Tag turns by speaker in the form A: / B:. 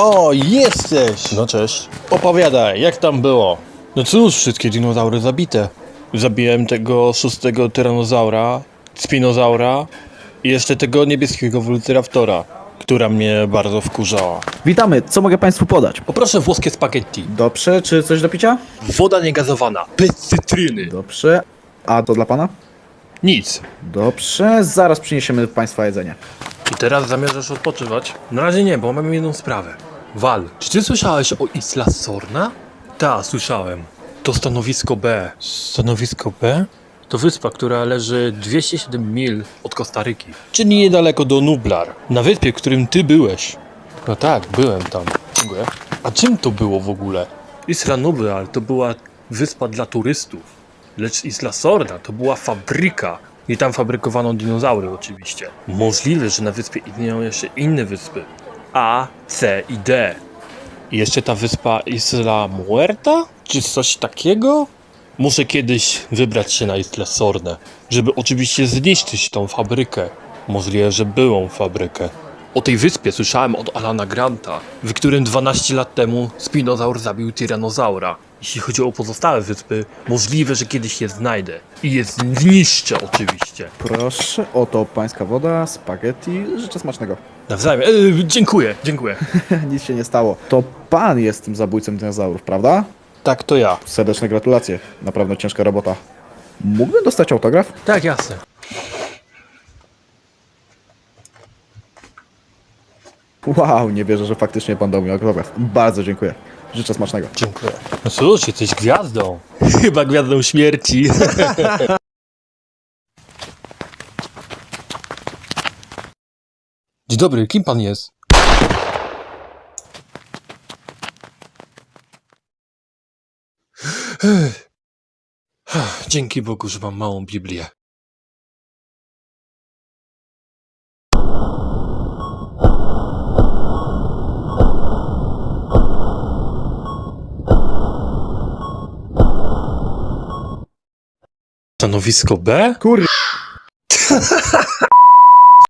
A: O, jesteś! No cześć. Opowiadaj, jak tam było? No cóż, wszystkie dinozaury zabite. Zabiłem tego szóstego tyranozaura, spinozaura i jeszcze tego niebieskiego wulcyraptora, która mnie bardzo wkurzała.
B: Witamy, co mogę Państwu podać?
A: Poproszę włoskie spaghetti.
B: Dobrze, czy coś do picia?
A: Woda niegazowana, bez cytryny.
B: Dobrze. A to dla Pana?
A: Nic.
B: Dobrze, zaraz przyniesiemy Państwa jedzenie.
A: I teraz zamierzasz odpoczywać? Na razie nie, bo mam jedną sprawę. Wal, czy ty słyszałeś o Isla Sorna? Ta, słyszałem. To stanowisko B. Stanowisko B? To wyspa, która leży 207 mil od Kostaryki. Czyli niedaleko do Nublar. Na wyspie, w którym ty byłeś. No tak, byłem tam. Dziękuję. A czym to było w ogóle? Isla Nublar to była wyspa dla turystów. Lecz Isla Sorna to była fabryka. I tam fabrykowano dinozaury oczywiście. Możliwe, że na wyspie istnieją jeszcze inne wyspy. A, C i D. I jeszcze ta wyspa Isla Muerta? Czy coś takiego? Muszę kiedyś wybrać się na Isla Sornę, żeby oczywiście zniszczyć tą fabrykę. Możliwe, że byłą fabrykę. O tej wyspie słyszałem od Alana Granta, w którym 12 lat temu spinozaur zabił tyranozaura. Jeśli chodzi o pozostałe wyspy, możliwe, że kiedyś je znajdę. I je zniszczę oczywiście.
B: Proszę, oto Pańska woda, spaghetti. Życzę smacznego.
A: Nawzajem. Dziękuję.
B: Nic się nie stało. To Pan jest tym zabójcą dinozaurów, prawda?
A: Tak, to ja.
B: Serdeczne gratulacje. Naprawdę ciężka robota. Mógłbym dostać autograf?
A: Tak, jasne.
B: Wow, nie wierzę, że faktycznie Pan dał mi autograf. Bardzo dziękuję. Życzę smacznego.
A: Dziękuję. No cóż, jesteś gwiazdą. Chyba gwiazdą śmierci. Dzień dobry, kim pan jest? Dzięki Bogu, że mam małą Biblię. Stanowisko B?
B: Kur...